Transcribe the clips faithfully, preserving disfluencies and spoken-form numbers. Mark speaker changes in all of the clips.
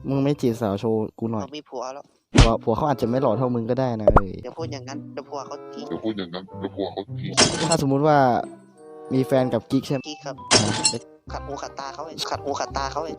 Speaker 1: มึงไม่จีบสาวโชว์กูหน่อย
Speaker 2: เขามีผัวแล้ว
Speaker 1: ผัวผัวเขาอาจจะไม่หล่อเท่ามึงก็ได้นะเอ้ย
Speaker 2: เดี๋ยวพูดอย่างนั้นเดี๋ยวผัวเขาทิ้ง
Speaker 3: เดี๋ยวพูดอย่างนั้นเดี๋ยวผัวเขาทิ้ง
Speaker 1: ถ้าสมมุติว่ามีแฟนกับกิ๊กใช่ไหม
Speaker 2: กี้ครับ
Speaker 1: อ่ะเด็ก
Speaker 2: ขัดหูขัดตาเขาเองขัดหูขัดตาเขาเอง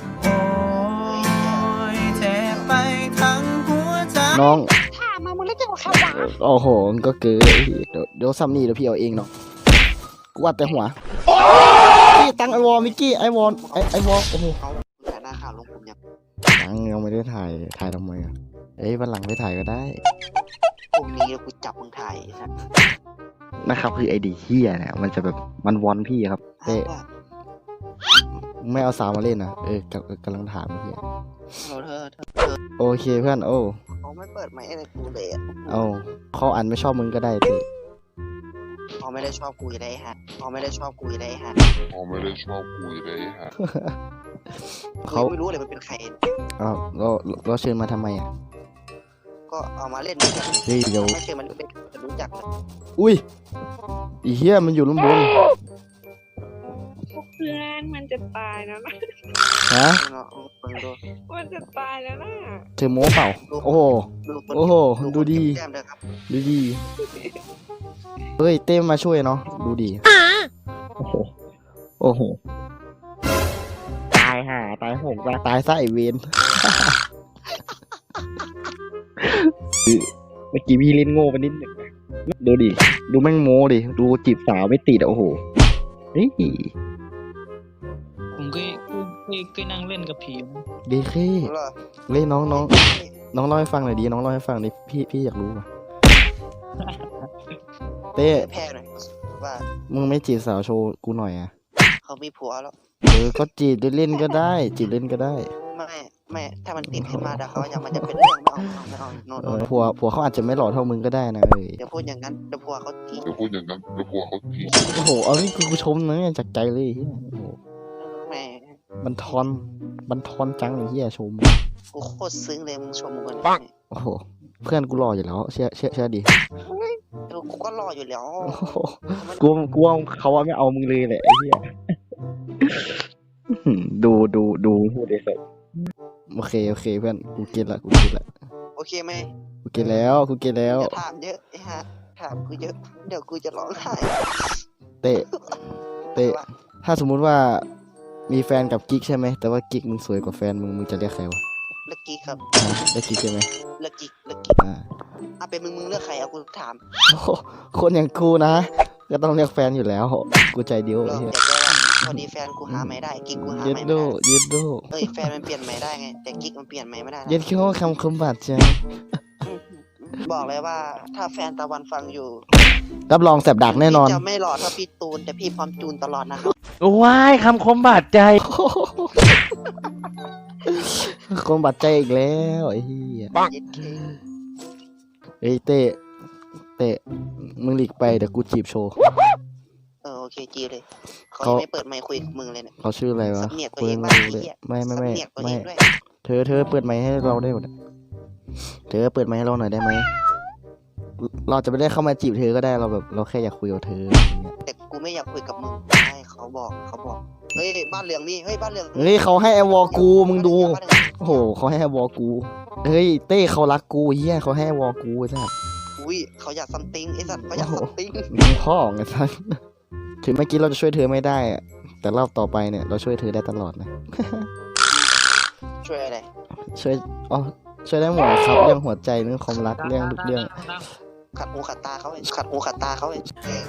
Speaker 1: น้อง
Speaker 2: ถามมามึงเล่นจังหวะขวา
Speaker 1: โอ้โหมันก็เกินเดี๋ยวเดี๋ยวซัมนี่เดี๋ยวพี่เอาเองเนาะกูวัดแต่หัวพี่ตั้งไอวอลมิกกี้ไอวอลไอไอวอลโอ้โห
Speaker 2: เขาแต่หน้าข่าวลงผมยัง
Speaker 1: ยังยังไม่ได้ถ่ายถ่ายทำไมอ่ะเอ้ยวันหลังไปถ่ายก็ได้
Speaker 2: พรุ่งนี้กูจับมึงถ่ายสัตว์
Speaker 1: นะครับคือไอดีเฮียเนี่ยมันจะแบบมันวอนพี่ครับเต้ไม่เอาสาวมาเล่นนะเออกำกำลังถามพี่
Speaker 2: เราเธอเธอ
Speaker 1: โอเคเพื่อนโอ้
Speaker 2: เขาไม่เปิดไมค์อะไรกูเลยอ่ะ
Speaker 1: เอาเขาอ่านไม่ชอบมึงก็ได้เต้
Speaker 2: เขาไม่ได้ชอบกูอยู่ได้ฮะเขาไม่ได้ชอบกูอยู่ได้ฮะ
Speaker 3: เขาไม่ได้ชอบคุยเลยฮะ
Speaker 2: เขา
Speaker 1: เขา
Speaker 2: ไม่รู้เลยมันเป็นใคร
Speaker 1: เอาเราเราเชิญมาทำไมอ่ะ
Speaker 2: ก็เอามาเล่นด้วยกัน
Speaker 1: เฮ้ยเดี๋ยว
Speaker 2: ไม่เชิญมันเป็นจะรู้จักเลย
Speaker 1: อุ้ยอีเฮียมันอยู่ลำบน
Speaker 4: เพื่อนมันจะตายแล้วนะ
Speaker 1: ฮะ
Speaker 2: เนาะมึงดู
Speaker 4: มันจะตายแล้วนะ
Speaker 1: เธอโม้เปล่าโอ้โห
Speaker 2: ดูคน
Speaker 1: โอ้โหดูดี
Speaker 2: แก้มเด้อครับ
Speaker 1: ดูดีเฮ้ยเต้มาช่วยเนาะดูดีโอ้โหโอ้โหตายห่าตายโหงตายตายซะไอเวนเมื่อกี้พี่เล่นโง่ไปนิดหนึ่งนะดูดิดูแม่งโม้ดิดูจีบสาวไม่ติดอะโอ้โหเฮ้ย
Speaker 5: ผมเคยเคยเคยนั่งเล่นกับผี
Speaker 1: ดีเค
Speaker 2: รู้เหรอ
Speaker 1: เล่นน้องน้องน้องเล่าให้ฟังหน่อยดีน้องเล่าให้ฟังดิพี่พี่อยากรู้ว่ะเต้
Speaker 2: แพ้หน่อยว่า
Speaker 1: มึงไม่จีบสาวโชว์กูหน่อยอ่ะ
Speaker 2: เขามีผัวแล้ว
Speaker 1: เออก็จีบเล่นๆก็ได้จีบเล่นก็ได้
Speaker 2: ไม่ไม่ถ้ามันติดขึ้นมาเดี๋ยวเขาจะมันจะเป็นเรื่องไม่เอาไม่เอาโน่น
Speaker 1: เอ
Speaker 2: โน่
Speaker 1: อน ผัวผัวเขาอาจจะไม่หล่อเท่ามึงก็ได้นะเอ้ย
Speaker 2: เดี๋ยวพูดอย่างนั้นเดี๋ยวผัวเขาทิ้ง
Speaker 3: เดี๋ยวพูดอย่างนั้นเดี๋ยวผัวเขาทิ้ง
Speaker 1: โอ้โหเอานี่คือกูชมนะเนี่ยจากใจเลยเฮียโอ้โห
Speaker 2: แม่
Speaker 1: บันทอนบันทอนจังไอ้เฮียชม
Speaker 2: กูโคตรซึ้งเลยมึงชมกู
Speaker 1: ปัง โอ้โหเพื่อนกูหล่ออยู่แล้วเชื่อเชื่อเชื่อดิ
Speaker 2: เออกูก็รออยู่แล้ว
Speaker 1: โอ้โหกูกูว่าเขาว่าไม่เอามึงเลยแหละไอ้เฮียอื้อหือดูดูดูพูดได้สิโอเคโอเคเพื่อนกูเก็ตละกูเก็ตละ
Speaker 2: โอเคไหม
Speaker 1: กูเก็ตแล้วกูเก็ตแล้ว
Speaker 2: อย่าถามเยอะไอ้ฮะถามกูเยอะเดี๋ยวกูจะร้องไห้
Speaker 1: เตะเตะถ้าสมมุติว่ามีแฟนกับกิ๊กใช่ไหมแต่ว่ากิ๊กมึงสวยกว่าแฟนมึงมึงจะเรียกใครวะ
Speaker 2: เลือกกิ๊กครับ
Speaker 1: อ่ะเรียกกิ๊กใช่ไหม
Speaker 2: เลือกกิ๊กเลือกกิ๊ก
Speaker 1: อ่า
Speaker 2: อ่ะเป็นมึงมึงเลือกใครเอากูถาม
Speaker 1: โอ้โหคนอย่างกูนะก็ต้องเรียกแฟนอยู่แล้วกูใจเดียว
Speaker 2: เรา
Speaker 1: ไอ้เหี้ย
Speaker 2: เดี๋ยวจะว่าพอดีแฟนกูหาไม่ได้กิ๊กกูหา
Speaker 1: เย็ด
Speaker 2: ไม่
Speaker 1: โด
Speaker 2: ได้
Speaker 1: เย็ดโด
Speaker 2: เอ้ยแฟนมันเปลี่ยนใหม่ได้ไงแต่กิ๊กมันเปลี่ยนใหม่ไม่ได้นะ
Speaker 1: เย็ดคิดว่าคำคมบาดใจ
Speaker 2: บอกเลยว่าถ้าแฟนตะวันฟังอยู่
Speaker 1: รับรองแสบดักแน่นอน
Speaker 2: พี่จะไม่หล่อเท่าพี่ตูนแต่พี่พร้อมจูนตลอดนะครับ
Speaker 1: ว้ายคำคมบาดใจคมบาดใจอีกแล้วไอ้เหี้ย
Speaker 2: เย็ดเค
Speaker 1: เอ้ยเต้เต้มึงหลีกไปเดี๋ยวกูจีบโชว์
Speaker 2: เออโอเคจีเลยเขา
Speaker 1: เขา
Speaker 2: ยังไม่เปิดไมค์คุยกับมึงเลยเนี่ย
Speaker 1: เขาชื่ออะไรวะ
Speaker 2: สำเนียกตัว
Speaker 1: กู
Speaker 2: เอ
Speaker 1: ยัง ง
Speaker 2: บ้าง
Speaker 1: ไม่รู้เลย
Speaker 2: ไอ้เหี้ย
Speaker 1: ไม่ไม่ไม่
Speaker 2: สำเนียกตัวเอ
Speaker 1: ไม่
Speaker 2: งด้วย
Speaker 1: เธอเธอเปิดไมค์ให้เราได้หมดอะเธอเปิดไมค์ให้เราหน่อยได้ไหมเราจะไม่ได้เข้ามาจีบเธอก็ได้เราแบบเราแค่อยากคุยกับเธออย่างเงี้ย
Speaker 2: แต่กูไม่อยากคุยกับมึงใช่เขาบอกเขาบอกเฮ้ยบ้านเหลืองนี่เฮ้ยบ้านเหลือง
Speaker 1: เฮ้ยเขาให้ไอวอลกูมึงดู
Speaker 2: บ้านเหลือง
Speaker 1: โอ้โหเขาให้ไอวอลกูเฮ้ยเต้เขารักกูเฮียเขาให้ไอวอลกูใช่ไหม
Speaker 2: อุ้ยเขาอยากซัมติงไอ้สัตว์เขาอยากซัมติง
Speaker 1: มึงพ่อไงท่านถึงเมื่อกี้เราจะช่วยเธอไม่ได้อะแต่รอบต่อไปเนี่ยเราช่วยเธอได้ตลอดนะ
Speaker 2: ช่วยอะไร
Speaker 1: ช่วยอ๋อช่วยได้หมดครับเรื่องหัวใจเรื่องความรักเรื่องทุกเรื่อง
Speaker 2: ขัดหูขัดตาเขาเองขัดหูขัดตาเขาเอง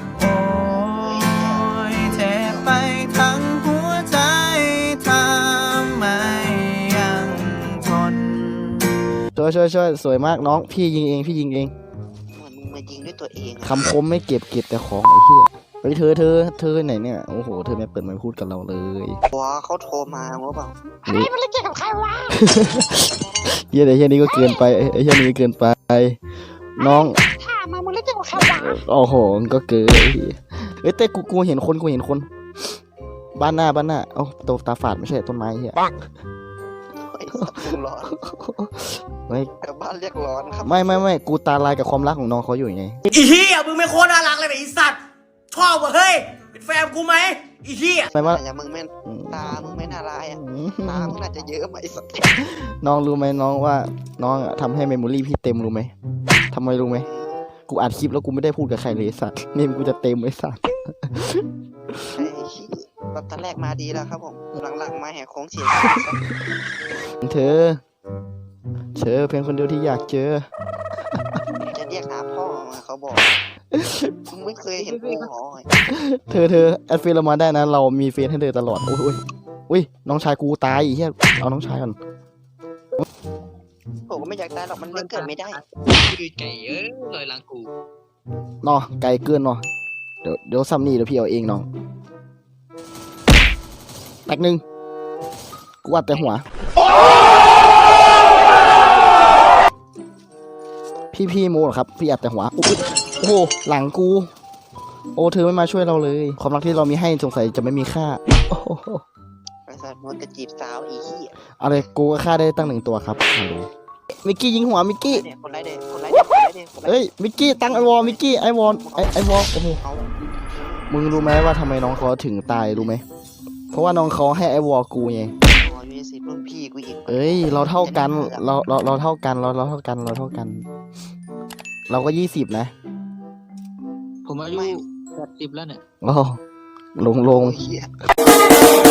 Speaker 6: เจ็บไปทั้งหัวใจทำไมยังทน
Speaker 1: ช่วยช่วยช่วยสวยมากน้องพี่ยิงเองพี่ยิงเอง
Speaker 2: เหมือนมึงมายิงด้วยตัวเองอะ
Speaker 1: คำคมไม่เก็บเก็บแต่ของไอ้เหี้ยเฮ้ยเธอเธอเธอไหนเนี่ยโอ้โหเธอไม่เปิดไมค์พูดกับเราเลย
Speaker 2: หัวเขาโทรมาว่าเปล่า
Speaker 1: เฮ้ยมันเล่นเกมกับใครวะเฮียไอ้เฮียนี่ก็เกินไปไอ้เฮียนี่ก็เกินไปน้อง
Speaker 2: ถามมามึงเล่นเกมกับใครวะ
Speaker 1: โอ้โหมันก็เกินไอ้เหี้ยเอ้ยแต่กูกูเห็นคนกูเห็นคน บ้านหน้าบ้านหน้าเอ้าตัวตาฝาดไม่ใช่ต้นไม้เฮีย
Speaker 2: ไอ้สัตว์มึงร้อน
Speaker 1: ไม่
Speaker 2: แต่บ้านเรียกร้อนครับ
Speaker 1: ไม่ไม่ไม่กูตาลายกับความรักของน้องเขาอยู่ไง
Speaker 6: อีเหี้ยมึงไม่โคตรน่ารักเลยไอ้สัตว์ชอบว่ะเฮ้ยเป็นแฟนกูไหมอีเหี้ย
Speaker 1: ไม่ว่า
Speaker 2: อย่างมึงไม่ตามึงไม่น่าาลายอ่ะตามึงน่าจะเยอะไหมไอ้สัตว์
Speaker 1: น้องรู้ไหมน้องว่าน้องอะทำให้เมมโมรี่พี่เต็มรู้ไหมทำไมรู้ไหมกูอัดคลิปแล้วกูไม่ได้พูดกับใครเลยไอ้สัตว์เมมกูจะเต็มไอ้สัตว์
Speaker 2: ไอ้ขี้แบบตอนแรกมาดีแล้วครับผมหลังๆมาแหกโค้งเสีย
Speaker 1: เธอเธอเพียงคนเดียวที่อยากเจอ
Speaker 2: จะเรียกหาพ่อมาเขาบอกมึงไม่เคยเห็นกูหรอ
Speaker 1: เธอเธอแอดเฟซเรามาได้นะ เรามีเฟซให้เธอตลอด โอ้ยโอ้ยอุ้ยน้องชายกูตายอีเหี้ยเอาน้องชายก่อน
Speaker 2: ผมก็ไม่อยากตายหรอกมันเล่นเกิดไม่ได้
Speaker 5: คือไก่เอ้ยลอยหลังกู
Speaker 1: เนาะไกลเกินเนาะเดี๋ยวเดี๋ยวซัมนี่เดี๋ยวพี่เอาเองน้องแตกหนึ่งกูอัดแต่หัว พี่พี่โมเหรอครับ พี่อัดแต่หัวอุ๊ยโอ้โหหลังกู โอ้เธอไม่มาช่วยเราเลย ความรักที่เรามีให้สงสัยจะไม่มีค่าโอ้โห
Speaker 2: ไอ้สัตว์มันจะจีบสาวอีขี้
Speaker 1: เอาเลยกูก็ฆ่าได้ตั้งหนึ่งตัวครับฮัลโหลมิกกี้ยิงหัวมิกกี้
Speaker 2: เนี่ยคนไรเด็กคนไรเด็กคนไรเด็กคนไร
Speaker 1: เอ้ยมิกกี้ตั้งไอวอลมิกกี้ไอวอลไอไอวอลโอ้โห
Speaker 2: เอา
Speaker 1: มึงรู้ไหมว่าทำไมน้องเขาถึงตายรู้ไหมเพราะว่าน้องเขาให้ไอวอลกูไง
Speaker 2: อ๋อยูสิรุ่นพี่กูอีก
Speaker 1: เอ้ยเราเท่ากันเราเราเราเท่ากันเราเราเท่ากันเราเท่ากัน เราก็ยี่สิบนะ
Speaker 5: ผมอายุแปดสิบแล้วเนี่ย
Speaker 1: โอ้ลงลง
Speaker 2: โอ้ยเหี้ย